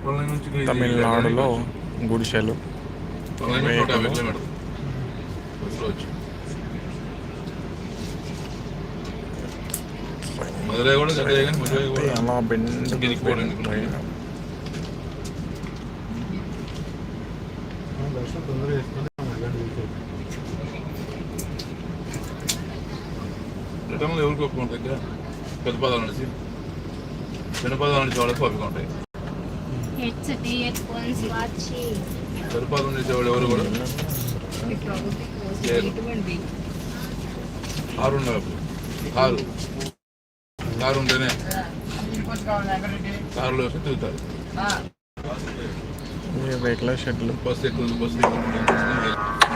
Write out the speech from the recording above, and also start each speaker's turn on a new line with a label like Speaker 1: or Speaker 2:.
Speaker 1: తమిళనాడులో గుడిసెలు రేకులు అలా బెండ్ ట్రైన్.
Speaker 2: రిటర్న్లో ఎవరికి ఒప్పుకుంటారు దగ్గర పెద్ద పదాలు నడిచి చిన్న పదాలు నడిచే వాళ్ళకి ఓపిక ఉంటాయి. పెద్ద పదాలు నడిచేవాళ్ళు ఎవరు కూడా కారు ఉంటేనే కారులో వస్తే తిరుగుతారు.
Speaker 1: రేకుల షెడ్లు
Speaker 2: బస్సు ఎక్కువ